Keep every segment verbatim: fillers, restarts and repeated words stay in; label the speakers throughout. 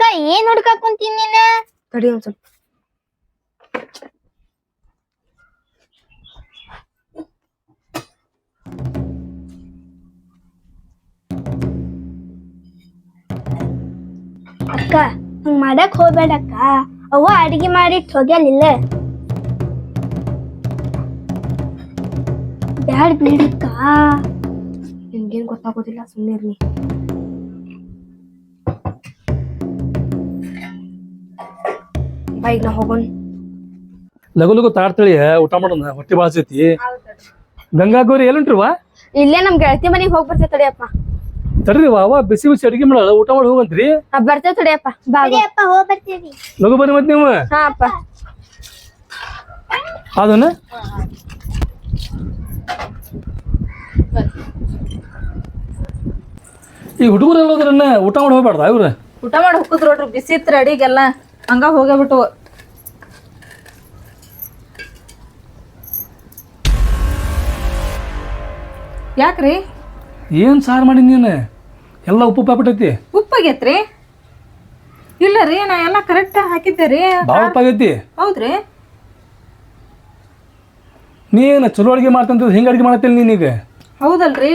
Speaker 1: ಏನ್ ಹುಡ್ಕಾಕ್ ಕುಂತೀನಿ ನೀನ?
Speaker 2: ತಡಿ ಒಂದ್ ಸ್ವಲ್ಪ.
Speaker 1: ಅಕ್ಕ ಹಂಗ್ ಮಾಡಕ್ ಹೋಗ್ಬೇಡಕ್ಕ. ಅವ್ವ ಅಡಿಗೆ ಮಾಡಿಟ್ ಹೋಗ್ಯಾಲಿಲ್ಲ. ಬ್ಯಾಡ್ ಬಿಡಕ್ಕ.
Speaker 2: ನಿಮ್ಗೇನ್ ಗೊತ್ತಾಗೋದಿಲ್ಲ, ಸುಮ್ಮನೆ ಇರ್ಲಿ. ಬೈಕ್ ನಾ ಹೋಗೋಣ.
Speaker 3: ಲಗು ಲಗು ತಾಡ್ತಳಿ ಊಟ ಮಾಡೋಣ, ಹೊಟ್ಟೆ ಬಾಳ್ಸೈತಿ. ಗಂಗಾ ಗೌರಿ ಎಲ್ಲುಂಟ್ರಿವಾ?
Speaker 2: ಇಲ್ಲೇ ನಮ್ ಗೆಳತಿ ಮನೆಗೆ ಹೋಗಿ ಬರ್ತೇವೆ ತಡಿಯಪ್ಪ.
Speaker 3: ತಡ್ರಿ ಅವ ಬಿಸಿ ಬಿಸಿ ಅಡಿಗೆ ಮಾಡಲ್ಲ, ಊಟ ಮಾಡಿ ಹೋಗಂತ್ರಿ.
Speaker 2: ಬರ್ತೇವೆ ತಡಿಯಪ್ಪ.
Speaker 1: ಅಪ್ಪ ಹೋಗ್ ಬರ್ತೀವಿ.
Speaker 3: ಲಗು ಬನ್ನಿ ಮತ್ ನೀವು.
Speaker 2: ಹಾ ಅಪ್ಪ.
Speaker 3: ಅದನ್ನ ಈ ಹುಡುಗರೆಲ್ಲ ಹೋದ್ರನ್ನ ಊಟ ಮಾಡಿ ಹೋಗ್ಬೇಡ್ದ ಇವ್ರ?
Speaker 4: ಊಟ ಮಾಡಿ ಹೋಗುದ್ ನೋಡ್ರಿ, ಬಿಸಿ ಇತ್ತು ಅಡಿಗೆಲ್ಲ, ಹಂಗ ಹೋಗ್ಬಿಟ್ಟು. ಯಾಕ್ರಿ?
Speaker 3: ಏನ್ ಸಾರು ಮಾಡಿ ನೀನು? ಎಲ್ಲ ಉಪ್ಪು ಪಾಪಿಟ್ಟೈತಿ.
Speaker 4: ಉಪ್ಪಾಗೈತ್ರಿ? ಇಲ್ಲ ರೀ, ನಾ ಎಲ್ಲ ಕರೆಕ್ಟ್ ಹಾಕಿದ್ದೆ ರೀ.
Speaker 3: ಭಾಳ ಉಪ್ಪಾಗೈತಿ.
Speaker 4: ಹೌದ್ರಿ?
Speaker 3: ನೀನು ಚಲೋ ಅಡುಗೆ ಮಾಡ್ತಂತ ಹಿಂಗೆ ಅಡುಗೆ ಮಾಡತ್ತಿಲ್ಲ ನೀನೀಗ?
Speaker 4: ಹೌದಲ್ರಿ,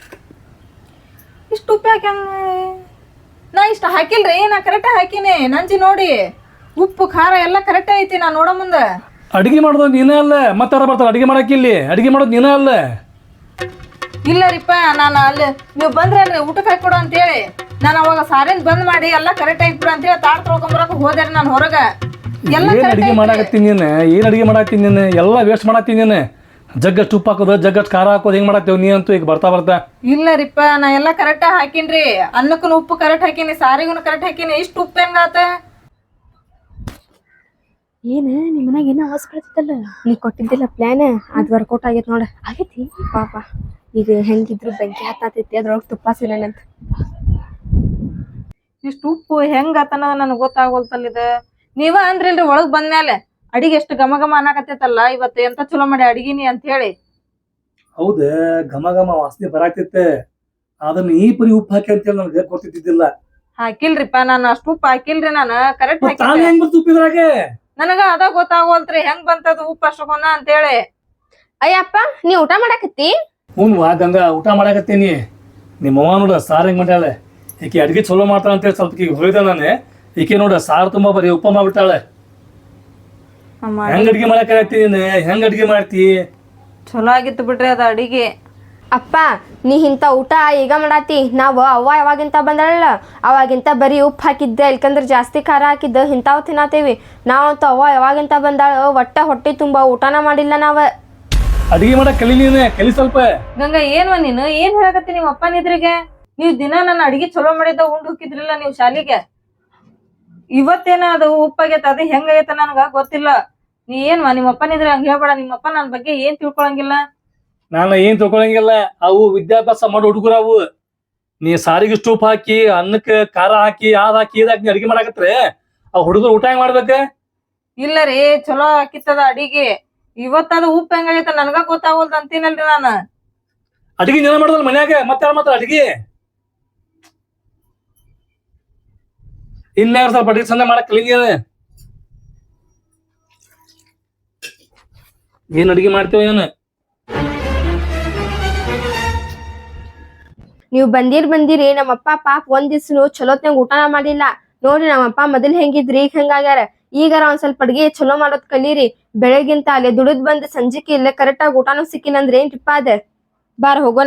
Speaker 4: ಇಷ್ಟು ಉಪ್ಪು ಹಾಕಿ ನಾ ಇಷ್ಟ ಹಾಕಿಲ್ರಿ, ನಾ ಕರೆಕ್ಟ್ ಹಾಕಿನಿ. ನಂಜಿ ನೋಡಿ, ಉಪ್ಪು ಖಾರ ಎಲ್ಲ ಕರೆಕ್ಟ್ ಐತಿ. ನಾ ನೋಡೋ ಮುಂದೆ
Speaker 3: ಅಡುಗೆ ಮಾಡೋದು ನೀನೇ ಅಲ್ಲ, ಮತ್ತೆ ಯಾರು ಬರ್ತಾರೆ ಅಡುಗೆ ಮಾಡಕ್ಕಿಲ್ಲಿ? ಅಡುಗೆ ಮಾಡೋದು ನೀನೇ ಅಲ್ಲ.
Speaker 4: ಇಲ್ಲ ರೀಪ್ಪ, ನಾನು ಅಲ್ಲಿ ನೀವು ಬಂದ್ರಲ್ರಿ ಊಟಕ್ಕೆ ಹಾಕೊಡು ಅಂತೇಳಿ, ನಾನು ಅವಾಗ ಸಾರಿನ ಬಂದ್ ಮಾಡಿ ಎಲ್ಲ ಕರೆಕ್ಟ್ ಐತಿ ಬಿಡು ಅಂತೇಳಿ ತಾಡ್ ತೊಳ್ಕೊಂಬರಕ್ಕೆ ಹೋದೆ ನಾನು ಹೊರಗ. ಎಲ್ಲ
Speaker 3: ಏನ್ ಅಡುಗೆ ಮಾಡಾಕತ್ತೀನಿ ನೀನು? ಏನ್ ಅಡುಗೆ ಮಾಡಾಕತ್ತೀನಿ ನೀನು? ಎಲ್ಲ ವೇಸ್ಟ್ ಮಾಡಾಕತ್ತೀನಿ ನೀನು. ಜಗ್ಗಷ್ಟು ಉಪ್ಪು ಹಾಕೋದು, ಜಗ್ಗಷ್ಟು ಖಾರ ಹಾಕೋದು, ಹೆಂಗ್ ಮಾಡತ್ತೇವ್ ನೀ ಅಂತೂ ಈಗ ಬರ್ತಾ ಬರ್ತಾ.
Speaker 4: ಇಲ್ಲ ರೀಪ್ಪ, ನಾ ಎಲ್ಲ ಕರೆಕ್ಟ್ ಹಾಕಿನ್ರಿ. ಅನ್ನಕ್ಕೂ ಉಪ್ಪು ಕರೆಕ್ಟ್ ಹಾಕಿನಿ, ಸಾರಿಗೂ ಕರೆಕ್ಟ್ ಹಾಕಿನಿ. ಇಷ್ಟು ಉಪ್ಪು ಹೆಂಗಾತ?
Speaker 2: ಏನ ನಿಮ್ಮ ಮನ್ಯಾಗ ಏನೋ ಅವಸ್ ಬರ್ತೈತಲ್ಲ, ನೀ ಕೊಟ್ಟಿದ್ದಿಲ್ಲ ಪ್ಲಾನ್, ಅದ್ ವರ್ಕೌಟ್ ಆಗೈತಿ ನೋಡ. ಆಗೈತಿ ಪಾಪ. ಈಗ ಹೆಂಗಿದ್ರು ಬೆಂಕಿ ಹತ್ತೈತಿ, ಅದ್ರೊಳಗೆ ತುಪ್ಪ ಸಿಲನಂತ.
Speaker 4: ಇಷ್ಟು ಉಪ್ಪು ಹೆಂಗಾತನ ನನಗೆ ಗೊತ್ತಾಗೋಲ್ತಲ್ಲಿದ. ನೀವ ಅಂದ್ರಿಲ್ರಿ ಒಳಗ್ ಬಂದ್ಮೇಲೆ ಅಡಿಗೆ ಎಷ್ಟು ಘಮ ಘಮ ಅನ್ನಕತ್ತೈತಲ್ಲ, ಇವತ್ತು ಎಂತ ಚಲೋ ಮಾಡಿ ಅಡಿಗಿನಿ ಅಂತ ಹೇಳಿ.
Speaker 3: ಹೌದ, ಘಮ ಘಮ ವಾಸನೆ ಬರಾಕತ್ತೆ. ಅದನ್ನ ಈ ಪರಿ ಉಪ್ಪು ಹಾಕಿ ಅಂತೇಳಿ ನನಗೆ ಗೊತ್ತಿದ್ದಿಲ್ಲ.
Speaker 4: ಹಾಕಿಲ್ರಿಪ್ಪ, ನಾನು ಅಷ್ಟು ಉಪ್ಪು ಹಾಕಿಲ್ರಿ. ನಾನು ಕರೆಕ್ಟ್ ಹಾಕಿ
Speaker 3: ಹೆಂಗ್ ಬರ್ತು ಉಪ್ಪಿದ್ರಾಗೆ?
Speaker 4: ನನಗ ಅದ ಗೊತ್ತಾಗೋಲ್ತ್ರಿ ಹೆಂಗ್ ಬಂತದ ಉಪ್ಪು ಅಷ್ಟಕೊಂದ ಅಂತೇಳಿ.
Speaker 2: ಅಯ್ಯಪ್ಪ, ನೀ ಊಟ ಮಾಡಾಕತ್ತಿ?
Speaker 3: ಹ್ಞೂ ವಾ ಗಂಗಾ, ಊಟ ಮಾಡಾಕತ್ತೀನಿ. ನಿಮ್ಮ ಅವ್ವ ನೋಡ ಸಾರು ಹೆಂಗ್ ಮಾಡ್ಯಾಳೆ. ಈಕೆ ಅಡ್ಗೆ ಚಲೋ ಮಾಡ್ತಾಳ ಅಂತೇಳಿ ಸ್ವಲ್ಪ ಈಗ ಹೋಯ್ದೆ ನಾನು. ಈಕೆ ನೋಡ ಸಾರು ತುಂಬಾ ಬರೀ ಉಪ್ಪ ಮಾಡ್ಬಿಟ್ಟಾಳೆ. ಹೆಂಗ್ ಅಡ್ಗೆ ಮಾಡಾಕತ್ತೀನಿ? ಹೆಂಗ್ ಅಡ್ಗೆ ಮಾಡ್ತಿ?
Speaker 4: ಚಲೋ ಆಗಿತ್ತು ಬಿಡ್ರಿ ಅದ ಅಡಿಗೆ.
Speaker 2: ಅಪ್ಪ, ನೀ ಇಂಥ ಊಟ ಈಗ ಮಾಡಾತಿ. ನಾವು ಅವ್ವ ಯಾವಾಗಿಂತ ಬಂದಳಲ್ಲ ಅವಾಗಿಂತ ಬರೀ ಉಪ್ಪು ಹಾಕಿದ್ದೆ, ಇಲ್ಕಂದ್ರೆ ಜಾಸ್ತಿ ಖಾರ ಹಾಕಿದ್ದ ಇಂಥವು ತಿನ್ನತೇವಿ. ನಾವಂತೂ ಅವ್ವ ಯಾವಾಗಿಂತ ಬಂದಾಳ ಒಟ್ಟ ಹೊಟ್ಟೆ ತುಂಬ ಊಟನ ಮಾಡಿಲ್ಲ ನಾವ.
Speaker 3: ಅಡಿಗೆ ಮಾಡಕ್ ಕಲಿ ನೀನೆ, ಕಲಿ ಸ್ವಲ್ಪ.
Speaker 4: ಗಂಗಾ, ಏನ್ವ ನೀನು ಏನ್ ಹೇಳಕತ್ತಿ ನಿಮ್ಮ ಅಪ್ಪನ ಎದುರಿಗೆ? ನೀವ್ ದಿನ ನನ್ನ ಅಡಿಗೆ ಚಲೋ ಮಾಡಿದ್ದ ಉಂಡ್ ಹೋಗಿದ್ರಿಲ್ಲ ನೀವು ಶಾಲಿಗೆ. ಇವತ್ತೇನ ಅದು ಉಪ್ಪಾಗೈತ, ಅದು ಹೆಂಗಾಗೈತ ನನಗ ಗೊತ್ತಿಲ್ಲ. ನೀ ಏನ್ವಾ ನಿಮ್ಮ ಅಪ್ಪನ ಇದ್ರೆ ಹಂಗ ಹೇಳ್ಬೇಡ. ನಿಮ್ಮ ಅಪ್ಪ ನನ್ ಬಗ್ಗೆ ಏನ್ ತಿಳ್ಕೊಳಂಗಿಲ್ಲ.
Speaker 3: ನಾನು ಏನ್ ತಿಳ್ಕೊಳಂಗಿಲ್ಲ. ಅವು ವಿದ್ಯಾಭ್ಯಾಸ ಮಾಡೋ ಹುಡುಗರು ಅವು. ನೀ ಸಾರಿಗೆ ಸ್ಟೂಪ್ ಹಾಕಿ, ಅನ್ನಕ್ಕೆ ಖಾರ ಹಾಕಿ, ಅದ್ ಹಾಕಿ ಇದ್ ಹಾಕಿ ಅಡಿಗೆ ಮಾಡಾಕತ್ರೆ ಆ ಹುಡುಗರು ಊಟ ಹೆಂಗ್ ಮಾಡ್ಬೇಕ?
Speaker 4: ಇಲ್ಲ ರೀ, ಚಲೋ ಹಾಕಿತ್ತದ ಅಡಿಗೆ. ಇವತ್ತದ ಉಪ್ಪು ಹೆಂಗಾಗೈತ ನನ್ಗ ಗೊತ್ತಾಗೋಲ್ದ ಅಂತೀನಲ್ರಿ ನಾನು.
Speaker 3: ಅಡಿಗೆ ನೀನ ಮಾಡೋದಲ್ಲ ಮನ್ಯಾಗ, ಮತ್ತೆ ಯಾರು ಮಾಡ್ತಾರ ಅಡಿಗೆ? ಇನ್ಯಾರ ಸ್ವಲ್ಪ ಅಡಿಗೆ ಚಂದ ಮಾಡಕ್ ಕಲಿ. ಏನ್ ಅಡಿಗೆ ಮಾಡ್ತೇವ ಏನು?
Speaker 2: ನೀವು ಬಂದಿರ್ ಬಂದಿರಿ. ನಮ್ಮಪ್ಪ ಪಾಪ ಒಂದ್ ದಿವ್ಸನು ಚಲೋತ್ನಾಗ ಊಟನ ಮಾಡಿಲ್ಲ ನೋಡ್ರಿ. ನಮ್ಮಪ್ಪ ಮೊದಲ್ ಹೆಂಗಿದ್ರಿ ಈಗ ಹೆಂಗಾಗ್ಯಾರ. ಈಗಾರ ಒಂದ್ ಸ್ವಲ್ಪ ಅಡ್ಗೆ ಚಲೋ ಮಾಡೋದ್ ಕಲೀರಿ. ಬೆಳಗಿಂತ ಅಲ್ಲೇ ದುಡಿದ್ ಬಂದ್ ಸಂಜಿಕೆ ಇಲ್ಲೇ ಕರೆಕ್ಟ್ ಆಗಿ ಊಟನೂ ಸಿಕ್ಕಿನಂದ್ರೆ ಏನ್ ಟಿಪ್ಪ ಅದ. ಬಾರ ಹೋಗೋಣ.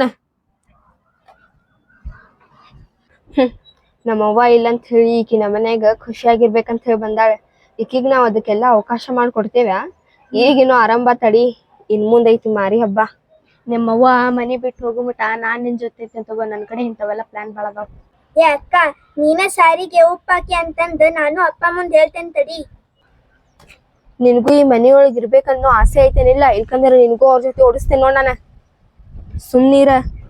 Speaker 2: ಹ್ಮ್ ನಮ್ಮವ್ವ ಇಲ್ಲಂತ ಹೇಳಿ ಈಕಿ ನಮ್ಮ ಮನ್ಯಾಗ ಖುಷಿಯಾಗಿರ್ಬೇಕಂತ ಹೇಳಿ ಬಂದಾಳೆ. ಈಕಿಗ್ ನಾವ್ ಅದಕ್ಕೆಲ್ಲ ಅವಕಾಶ ಮಾಡ್ಕೊಡ್ತೇವ. ಈಗಿನ್ನು ಆರಂಭ ತಡಿ, ಇನ್ ಮುಂದೈತಿ ಮಾರಿ ಹಬ್ಬ.
Speaker 1: ನಿಮ್ಮವ್ವ ಮನಿ ಬಿಟ್ಟು ಹೋಗುಮಟ ನಾನ್ ನಿನ್ ಜೊತೆ ತಗೋ. ನನ್ ಕಡೆ ಇಂಥವೆಲ್ಲ ಪ್ಲಾನ್ ಭಾಳ ಅದಾವ. ಏ ಅಕ್ಕ, ನೀನ ಸಾರಿಗೆ ಉಪ್ಪು ಹಾಕಿ ಅಂತಂದ್ ನಾನು ಅಪ್ಪ ಮುಂದ್ ಹೇಳ್ತೇನೆ ತಡಿ.
Speaker 2: ನಿನ್ಗೂ ಈ ಮನೆಯೊಳಗ್ ಇರ್ಬೇಕನ್ನೋ ಆಸೆ ಐತೇನಿಲ್ಲ? ಇಲ್ಕಂದ್ರೆ ನಿನ್ಗೂ ಅವ್ರ ಜೊತೆ ಓಡಿಸ್ತೇನೆ ನೋಡ್ ನಾನ. ಸುಮ್ನೀರ.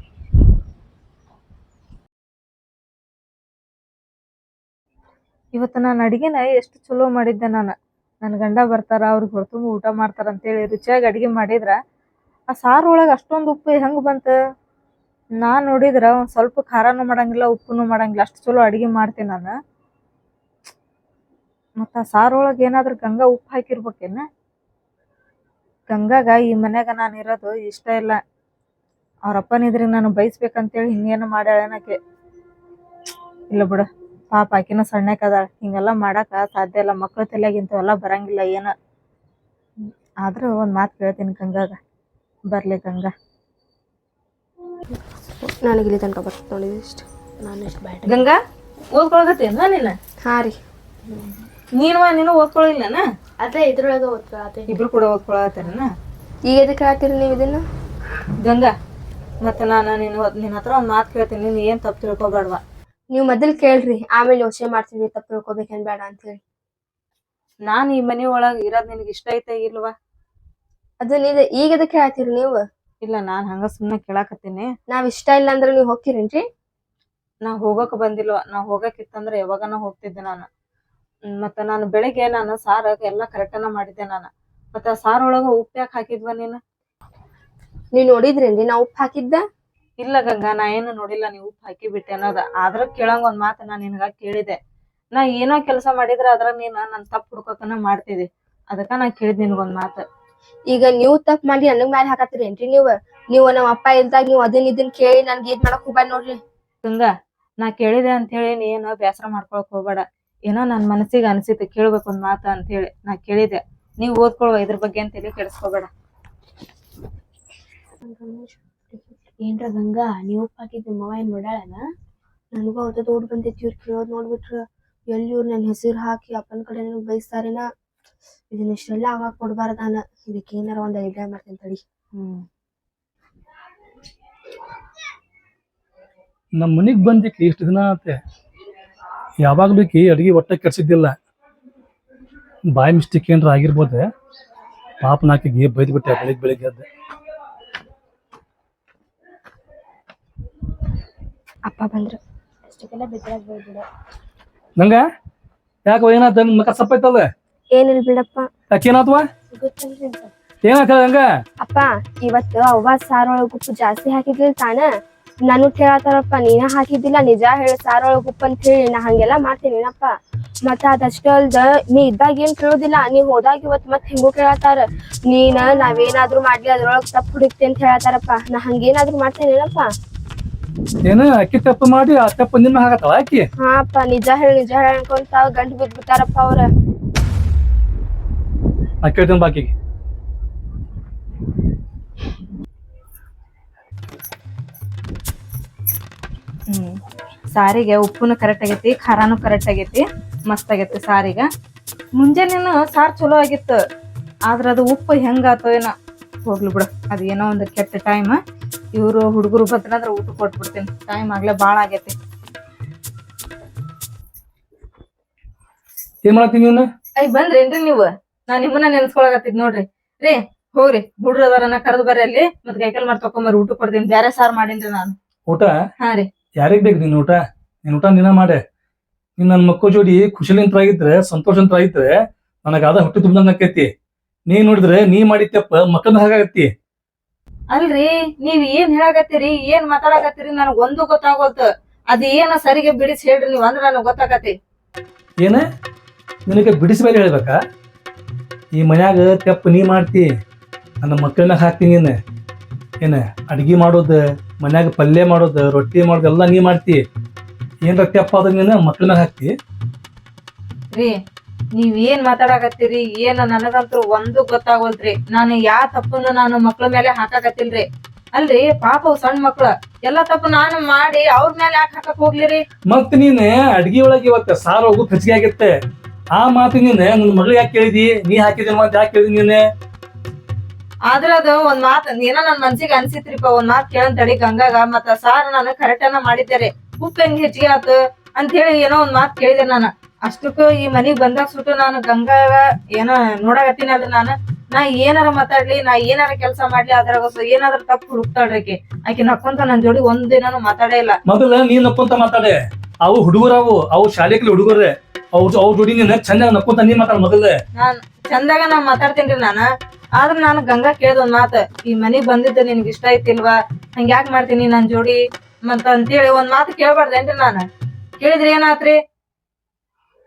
Speaker 4: ಇವತ್ತು ನಾನು ಅಡಿಗೆನ ಎಷ್ಟು ಚಲೋ ಮಾಡಿದ್ದೆ. ನಾನು ನನ್ನ ಗಂಡ ಬರ್ತಾರ, ಅವ್ರಿಗೆ ಹೊರತುಂಬ ಊಟ ಮಾಡ್ತಾರ ಅಂತೇಳಿ ರುಚಿಯಾಗಿ ಅಡಿಗೆ ಮಾಡಿದ್ರ ಆ ಸಾರು ಒಳಗೆ ಅಷ್ಟೊಂದು ಉಪ್ಪು ಹೆಂಗ್ ಬಂತ? ನಾನ್ ನೋಡಿದ್ರ ಒಂದ್ ಸ್ವಲ್ಪ ಖಾರನೂ ಮಾಡಂಗಿಲ್ಲ, ಉಪ್ಪುನು ಮಾಡಂಗಿಲ್ಲ, ಅಷ್ಟು ಚಲೋ ಅಡಿಗೆ ಮಾಡ್ತೀನಿ ನಾನು. ಮತ್ತ ಸಾರೊಳಗ ಏನಾದ್ರ ಗಂಗಾ ಉಪ್ಪು ಹಾಕಿರ್ಬೇಕೇನ? ಗಂಗಾಗ ಈ ಮನ್ಯಾಗ ನಾನು ಇರೋದು ಇಷ್ಟ ಇಲ್ಲ. ಅವ್ರಪ್ಪನಿದ್ರೆ ನಾನು ಬಯಸ್ಬೇಕಂತೇಳಿ ಹಿಂಗೇನು ಮಾಡ್ಯಾಳನಕ್ಕೆ. ಇಲ್ಲ ಬಿಡ, ಪಾಪ ಆಕಿನ ಸಣ್ಣಕದಾಳ, ಹಿಂಗೆಲ್ಲ ಮಾಡಾಕ ಸಾಧ್ಯ ಇಲ್ಲ. ಮಕ್ಳ ತಲೆಯಾಗ ಇಂಥವೆಲ್ಲ ಬರಂಗಿಲ್ಲ ಏನ. ಆದ್ರೂ ಒಂದ್ ಮಾತು ಕೇಳ್ತೀನಿ ಗಂಗಾಗ, ಬರ್ಲಿ ಗಂಗಾ.
Speaker 2: ನನಗೆ ಇಲ್ಲಿ ತನಕ ಬರ್ತದೆ ನೋಡಿ ಇಷ್ಟು. ನಾನು ಇಷ್ಟು ಬ್ಯಾಡ.
Speaker 4: ಗಂಗಾ ಓದ್ಕೊಳಕತ್ತೇನ ನೀನ?
Speaker 2: ಹಾಂ ರೀ.
Speaker 4: ನೀನು ನೀನು ಓದ್ಕೊಳಿಲ್ಲನ?
Speaker 2: ಅದೇ ಇದ್ರೊಳಗೆ ಓದ್ಕೊಳತ್ತೆ.
Speaker 4: ಇಬ್ರು ಕೂಡ ಓದ್ಕೊಳತ್ತೇನ?
Speaker 2: ಈಗ ಎದಕ್ಕೆ ಹೇಳ್ತೀರಿ ನೀವು ಇದನ್ನ?
Speaker 4: ಗಂಗಾ, ಮತ್ತೆ ನಾನು ನೀನು ನಿನ್ನ ಹತ್ರ ಒಂದ್ ಮಾತು ಕೇಳ್ತೀನಿ, ನೀನು ಏನ್ ತಪ್ಪು ತಿಳ್ಕೊಬೇಡ್ವಾ.
Speaker 2: ನೀವು ಮೊದಲು ಕೇಳ್ರಿ, ಆಮೇಲೆ ಯೋಚನೆ ಮಾಡ್ತೀನಿ ತಪ್ಪು ತಿಳ್ಕೊಬೇಕೇನ್ ಬೇಡ ಅಂತ ಹೇಳಿ.
Speaker 4: ನಾನ್ ಈ ಮನಿ ಒಳಗ್ ಇರೋದ್ ನಿನಗೆ ಇಷ್ಟ ಐತೆ ಇಲ್ವಾ?
Speaker 2: ಅದು ನೀವ್ ಈಗ ಎದಕ್ಕೆ ಹೇಳ್ತೀರಿ ನೀವು?
Speaker 4: ಇಲ್ಲ, ನಾನ್ ಹಂಗ ಸುಮ್ಮನೆ ಕೇಳಾಕತ್ತೀನಿ.
Speaker 2: ನಾವ್ ಇಷ್ಟ ಇಲ್ಲ ಅಂದ್ರೆ ನೀವು ಹೋಗ್ತೀರೇನ್ರಿ?
Speaker 4: ನಾ ಹೋಗಕ್ ಬಂದಿಲ್ವಾ. ನಾ ಹೋಗಕ್ಕಿತ್ತಂದ್ರ ಯಾವಾಗನ ಹೋಗ್ತಿದ್ದೆ ನಾನು. ಮತ್ತ ನಾನು ಬೆಳಿಗ್ಗೆ ನಾನು ಸಾರ ಎಲ್ಲಾ ಕರೆಕ್ಟನ ಮಾಡಿದ್ದೆ ನಾನು. ಮತ್ತ ಸಾರ್ ಒಳಗ ಉಪ್ಪು ಯಾಕೆ ಹಾಕಿದ್ವ ನೀನು?
Speaker 2: ನೀವ್ ನೋಡಿದ್ರೇನ್ರಿ ನಾ ಉಪ್ಪು ಹಾಕಿದ್ದ?
Speaker 4: ಇಲ್ಲ ಗಂಗಾ, ನಾ ಏನು ನೋಡಿಲ್ಲ ನೀವು ಉಪ್ಪು ಹಾಕಿ ಬಿಟ್ಟೆ ಅನ್ನೋದ. ಆದ್ರ ಕೇಳಂಗ ಒಂದ್ ಮಾತು ನಾ ನಿನಗ ಕೇಳಿದೆ. ನಾ ಏನೋ ಕೆಲಸ ಮಾಡಿದ್ರ ಅದ್ರ ನೀನ್ ನನ್ ತಪ್ಪು ಹುಡ್ಕೋಕನ ಮಾಡ್ತಿದ್ದಿ. ಅದಕ್ಕ ನಾ ಕೇಳಿದ್ ನಿನ್ಗೊಂದ್ ಮಾತು.
Speaker 2: ಈಗ ನೀವು ತಪ್ಪು ಮಾಡಿ ನನಗ್ ಮ್ಯಾಲೆ ಹಾಕತ್ತೀರೇನ್ರಿ ನೀವು? ನೀವು ನಮ್ಮ ಅಪ್ಪ ಇಲ್ದಾಗ ನೀವು ಅದನ್ ಇದನ್ ಕೇಳಿ ನನ್ಗೆ ಇದ್ ಮಾಡಕ್ ಹೋಗ್ಬಾರ್ದು ನೋಡ್ರಿ.
Speaker 4: ಗಂಗಾ, ನಾ ಕೇಳಿದೆ ಅಂತ ಹೇಳಿ ನೀ ಏನೋ ಬೇಸರ ಮಾಡ್ಕೊಳಕ್ ಹೋಗ್ಬೇಡ. ಏನೋ ನನ್ ಮನಸ್ಸಿಗೆ ಅನ್ಸಿತ್ತು ಕೇಳ್ಬೇಕು ಒಂದ್ ಮಾತು ಅಂತ ಹೇಳಿ ನಾ ಕೇಳಿದೆ. ನೀವ್ ಓದ್ಕೊಳ್ವ, ಇದ್ರ ಬಗ್ಗೆ ಅಂತ ಹೇಳಿ ಕೆಡಿಸ್ಕೋಬೇಡ.
Speaker 2: ಏನ್ರ ಗಂಗಾ, ನೀವು ಉಪ್ಪು ಹಾಕಿದ್ ನಿಮ್ಮವ್ವ ಏನ್ ನೋಡ್ಯಾಳನ? ನನಗೂ ಅವ್ರದ್ದು ಓಡ್ ಬಂದೈತಿ. ಇವ್ರು ಕೇಳೋದ್ ನೋಡ್ಬಿಟ್ರ ಎಲ್ಲಿ ಇವ್ರು ನನ್ ಹೆಸರು ಹಾಕಿ ಅಪ್ಪನ ಕಡೆ ನನಗ್ ಬಯಸ್ತಾರೇನ? ಇದನ್ನ ಇಷ್ಟೆಲ್ಲ ಆಗಾಕ ಕೊಡ್ಬಾರ್ದ ನಾನು. ಇದಕ್ಕೆ ಏನಾರ ಒಂದ್ ಐಡಿಯಾ ಮಾಡ್ತೀನಿ ತಡಿ.
Speaker 4: ಹ್ಮ್
Speaker 3: ನಮ್ಮ ಮನಿಗ್ ಬಂದಿಕ್ಕೆ ಇಷ್ಟು ದಿನ ಆತೆ, ಯಾವಾಗ ಬೇಕಿ ಅಡಿಗೆ ಒಟ್ಟ ಕೆಡ್ಸಿದ್ದಿಲ್ಲ. ಬಾಯಿ ಮಿಸ್ಟೇಕ್ ಏನಾರ ಆಗಿರ್ಬೋದೆ. ಪಾಪ ನಾಕಿಗೆ ಬೈದ್ ಬಿಟ್ಟೆ ಬೆಳಿಗ್ಗೆ ಬೆಳಿಗ್ಗೆ ಎದ್ದೆ.
Speaker 2: ಅಪ್ಪ ಬಂದ್ರು ಅಷ್ಟಕ್ಕೆಲ್ಲ ಬಿದ್ರಾಗ ಬೈಬಿಡ.
Speaker 3: ನಂಗ ಯಾಕ ಏನಾತ? ನನ್ ಮಕ ಸಪ್ಪೈತದ.
Speaker 2: ಏನಿಲ್ ಬಿಡಪ್ಪ.
Speaker 3: ಯಾಕೇನಾತ್ವ?
Speaker 2: ಗೊತ್ತಲ್ರಿ ಅಂತ.
Speaker 3: ಏನಾತ ಹಂಗ?
Speaker 2: ಅಪ್ಪ ಇವತ್ತು ಅವ್ವ ಸಾರೊಳಗ ಉಪ್ಪು ಜಾಸ್ತಿ ಹಾಕಿದ್ಲಿಲ್ ತಾನ? ನಾನು ಕೇಳತ್ತಾರಪ್ಪ, ನೀನ ಹಾಕಿದ್ದಿಲ್ಲ ನಿಜ ಹೇಳ ಸಾರೊಳಗ ಉಪ್ಪು ಅಂತ ಹೇಳಿ. ನಾ ಹಂಗೆಲ್ಲಾ ಮಾಡ್ತೀನಿನಪ್ಪ. ಮತ್ತ ಅದಷ್ಟ ಅಲ್ದ ನೀ ಇದ್ದಾಗ ಏನ್ ಕೇಳೋದಿಲ್ಲ, ನೀ ಹೋದಾಗ ಇವತ್ ಮತ್ ಹಿಂಗೂ ಕೇಳತ್ತಾರ. ನೀನ ನಾವೇನಾದ್ರೂ ಮಾಡ್ಲಿ ಅದ್ರೊಳಗ್ ತಪ್ಪು ಹುಡುಕ್ತಿ ಅಂತ ಹೇಳತ್ತಾರಪ್ಪ. ನಾ ಹಂಗೇನಾದ್ರೂ ಮಾಡ್ತೇನೇನಪ್ಪ?
Speaker 3: ಏನ ಅಕ್ಕಿ ತಪ್ಪು ಮಾಡಿ ಆ ತಪ್ಪು ನಿನ್ನ ಹಾಕತ್ತವ ಅಕ್ಕಿ?
Speaker 2: ಹಾ ಅಪ್ಪ, ನಿಜ ಹೇಳಿ ನಿಜ ಹೇಳ ಅನ್ಕೊಂತ ಗಂಟು ಬಿದ್ದ್ ಬಿಟ್ಟಾರಪ್ಪ ಅವ್ರ.
Speaker 3: ನಾ ಕೇಳ್ತೇನೆ ಬಾಕಿಗೆ.
Speaker 4: ಹ್ಮ್ ಸಾರಿಗೆ ಉಪ್ಪುನು ಕರೆಕ್ಟ್ ಆಗೈತಿ, ಖಾರಾನು ಕರೆಕ್ಟ್ ಆಗೈತಿ, ಮಸ್ತ್ ಆಗೈತಿ ಸಾರಿಗ. ಮುಂಜಾನೆನು ಸಾರ್ ಚಲೋ ಆಗಿತ್ತು, ಆದ್ರ ಅದು ಉಪ್ಪು ಹೆಂಗಾತೋ ಏನೋ. ಹೋಗ್ಲಿ ಬಿಡು, ಅದ ಏನೋ ಒಂದು ಕೆಟ್ಟ ಟೈಮ್. ಇವ್ರು ಹುಡುಗರು ಬದ್ರಂದ್ರ ಊಟ ಕೊಟ್ಬಿಡ್ತೀನಿ. ಟೈಮ್ ಆಗ್ಲೇ ಬಾಳ ಆಗೈತಿ.
Speaker 3: ಏನ್ ಮಾಡತ್ತೀನಿ ನೀನು?
Speaker 4: ಐ ಬಂದ್ರೇನ್ರಿ ನೀವು? ನಾ ನಿಮ್ಮನ್ನ ನೆನ್ಸ್ಕೊಳಕತ್ತಿದ್ ನೋಡ್ರಿ. ರೀ ಹೋಗ್ರಿ, ಹುಡ್ರ ಅದಾರನ್ನ ಕರೆದು ಬರ್ರಿ ಅಲ್ಲಿ. ಮತ್ ಕೈಕಲ್ ಮಾಡಿ ತಕೊಂಬರ್ರಿ, ಊಟ ಕೊಡ್ತೀನಿ. ಬ್ಯಾರೆ ಸಾರ್ ಮಾಡೀನ್ರಿ ನಾನು.
Speaker 3: ಊಟ
Speaker 4: ಹಾ ರೀ.
Speaker 3: ಯಾರಿಗ್ ಬೇಕು ನಿನ್ ಊಟ? ನಿನ್ ಊಟ ನೀನ ಮಾಡೆ. ನೀನ್ ನನ್ ಮಕ್ಕಳ ಜೋಡಿ ಖುಷಿಲಿಂತ್ರ ಆಗಿದ್ರೆ, ಸಂತೋಷಂತ್ರ ಆಗಿದ್ರೆ ನನಗ ಅದ ಹುಟ್ಟಿ ತುಂಬ್ದಂಗ ಆಕೈತಿ. ನೀ ನೋಡಿದ್ರೆ ನೀ ಮಾಡಿದ್ದಪ್ಪ ಮಕ್ಕಳ ಹಾಗಾಗತ್ತಿ.
Speaker 4: ಅಲ್ರಿ, ನೀವ್ ಏನ್ ಹೇಳಾಕತ್ತೀರಿ, ಏನ್ ಮಾತಾಡಕತ್ತೀರಿ ನನಗ್ ಒಂದು ಗೊತ್ತಾಗೋಲ್ತ. ಅದ ಏನ ಸರಿಗೆ ಬಿಡಿಸಿ ಹೇಳ್ರಿ ನೀವ್, ಅಂದ್ರ ನನಗ್ ಗೊತ್ತಾಗತಿ.
Speaker 3: ಏನ ನಿನಗೆ ಬಿಡಿಸಿ ಮೇಲೆ ಹೇಳ್ಬೇಕಾ? ಈ ಮನ್ಯಾಗ ತೆಪ್ಪ ನೀ ಮಾಡ್ತಿ, ನನ್ನ ಮಕ್ಕಳನ್ನ ಹಾಕ್ತೀನಿ. ನೀನು ಏನ ಅಡ್ಗಿ ಮಾಡೋದು, ಮನ್ಯಾಗ ಪಲ್ಯ ಮಾಡೋದು, ರೊಟ್ಟಿ ಮಾಡೋದು ಎಲ್ಲ ನೀ ಮಾಡ್ತಿ. ಏನ್ರ ತೆಪ್ಪ ಆದ್ರೆ ನೀನು ಮಕ್ಕಳನ್ನ ಹಾಕ್ತಿ.
Speaker 4: ರೀ ನೀವ್ ಏನ್ ಮಾತಾಡಕತ್ತೀರಿ, ಏನ ನನಗಂತೂ ಒಂದು ಗೊತ್ತಾಗೋಲ್ತ್ರಿ. ನಾನು ಯಾ ತಪ್ಪನ್ನು ನಾನು ಮಕ್ಳ ಮೇಲೆ ಹಾಕಾಕತ್ತಿಲ್ರಿ. ಅಲ್ರಿ ಪಾಪ ಸಣ್ಣ ಮಕ್ಳ ಎಲ್ಲಾ ತಪ್ಪು ನಾನು ಮಾಡಿ ಅವ್ರ ಮೇಲೆ ಯಾಕೆ ಹಾಕಕ್ ಹೋಗ್ಲಿರಿ?
Speaker 3: ಮತ್ ನೀನ್ ಅಡ್ಗಿ ಒಳಗೆ ಇವತ್ತ ಸಾರು ಹೋಗು ಹೆಚ್ಚಿಗೆ ಆಗಿತ್ತೆ. ಆ ಮಾತು ನೀನ್ ನನ್ನ ಮಗಳಿಗೆ ಯಾಕೆ ಕೇಳಿದಿ? ನೀ ಹಾಕಿದೇನು ಅಂತ ಯಾಕೆ ಕೇಳಿದಿ ನೀನೆ?
Speaker 4: ಆದ್ರ ಅದು ಒಂದ್ ಮಾತ್ ಏನೋ ನನ್ ಮನ್ಸಿಗೆ ಅನ್ಸಿತ್ರಿಪ್ಪ, ಒಂದ್ ಮಾತ್ ಕೇಳಂತ ತಡಿ ಗಂಗಾಗ. ಮತ್ತ ಸಾರ್ ನಾನು ಕರೆಕ್ಟನ ಮಾಡಿದ್ದೇರಿ, ಉಪ್ಪು ಹೆಂಗ್ ಹೆಚ್ಚಿಗೆ ಆತು ಅಂತ ಹೇಳಿ ಏನೋ ಒಂದ್ ಮಾತ್ ಕೇಳಿದೆ ನಾನು. ಅಷ್ಟಕ್ಕೂ ಈ ಮನಿಗ್ ಬಂದಾಗ ಸುಟ್ಟು ನಾನು ಗಂಗಾಗ ಏನೋ ನೋಡಾಕತ್ತೀನಲ್ರಿ. ನಾನು ನಾ ಏನಾರ ಮಾತಾಡ್ಲಿ, ನಾ ಏನಾರ ಕೆಲ್ಸ ಮಾಡ್ಲಿ, ಅದ್ರಾಗ ಏನಾದ್ರ ತಪ್ಪು ಹುಡುಕ್ತಾಳ್ರಿ ಆಕಿ. ಆಕಿ ನಕ್ಕೊಂತ ನನ್ ಜೋಡಿ ಒಂದ್ ದಿನಾನು ಮಾತಾಡೇ ಇಲ್ಲ.
Speaker 3: ಮೊದಲ ನೀನ್ ನಕ್ಕೊಂತ ಮಾತಾಡೆ. ಅವು ಹುಡುಗರವು, ಅವು ಶಾಲೆಗೆ ಹುಡುಗರೇ, ಅವ್ರ ಅವ್ರ ಜೋಡಿ ನೀನ್ ಚಂದಾಗ ನಕ್ಕೊಂತ ನೀ ಮಾತಾಡ ಮೊದಲೇ.
Speaker 4: ನಾನ್ ಚಂದಾಗ ನಾ ಮಾತಾಡ್ತೇನ್ರಿ ನಾನ. ಆದ್ರ ನಾನು ಗಂಗಾ ಕೇಳ್ದ ಒಂದ್ ಮಾತ, ಈ ಮನಿಗ್ ಬಂದಿದ್ದ ನಿನ್ಗೆ ಇಷ್ಟ ಐತಿಲ್ವಾ, ಹಂಗ ಯಾಕೆ ಮಾಡ್ತೀನಿ ನನ್ ಜೋಡಿ ಮತ್ತ ಅಂತೇಳಿ ಒಂದ್ ಮಾತು ಕೇಳ್ಬಾರ್ದೇನ್ರಿ? ನಾನು ಕೇಳಿದ್ರಿ ಏನಾತ್ರಿ?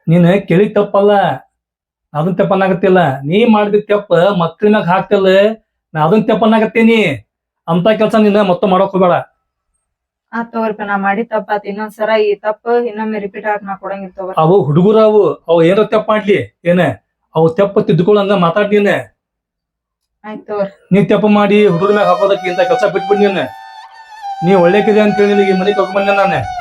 Speaker 3: ನೀನ್ ಕೇಳಿದ ತಪ್ಪಲ್ಲ, ಅದನ್ ತೆಪ್ಪನ್ನಾಗತ್ತಿಲ್ಲ. ನೀ ಮಾಡಿದ ತೆಪ್ಪ ಮಕ್ಳ ಮ್ಯಾಗ ಹಾಕ್ತಿಲ್ಲ, ನಾ ಅದನ್ ತೆಪ್ಪನ್ನಾಗತ್ತೀನಿ. ಅಂತ ಕೆಲ್ಸ ನೀನ್ ಮತ್ತೆ ಮಾಡಕ್ ಹೋಗ್ಬೇಡ.
Speaker 4: ಆ ತಗೋರಿಪ್ಪ ನಾ ಮಾಡಿ ತಪ್ಪಾತ್. ಇನ್ನೊಂದ್ಸರ ಈ ತಪ್ಪ ಇನ್ನೊಮ್ಮೆ ರಿಪೀಟ್ ಆಗಿ ನಾ ಕೊಡಂಗಿಲ್ಲ ತಗೋರಿ.
Speaker 3: ಅವು ಹುಡುಗರು ಅವು ಅವು ಏನಾರ ತೆಪ್ಪ ಮಾಡ್ಲಿ ಏನ, ಅವು ತೆಪ್ಪ ತಿದ್ದುಕೊಳ್ಳಂಗ ಮಾತಾಡ್ ನೀನ್.
Speaker 4: ಆಯ್ತು ತಗೋರಿ.
Speaker 3: ನೀ ತೆಪ್ಪ ಮಾಡಿ ಹುಡುಗರ ಮ್ಯಾಗ ಹಾಕೋದಕ್ಕೆ ಇಂತ ಕೆಲಸ ಬಿಟ್ಬಿಡ್ ನೀನ್. ನೀ ಒಳ್ಳೆಕಿದೆ ಅಂತ ಹೇಳಿ ನಿನಗೆ ಮನೆಗೆ ಕರ್ಕೊಂಡ್ ಬಂದೆ ನಾನು.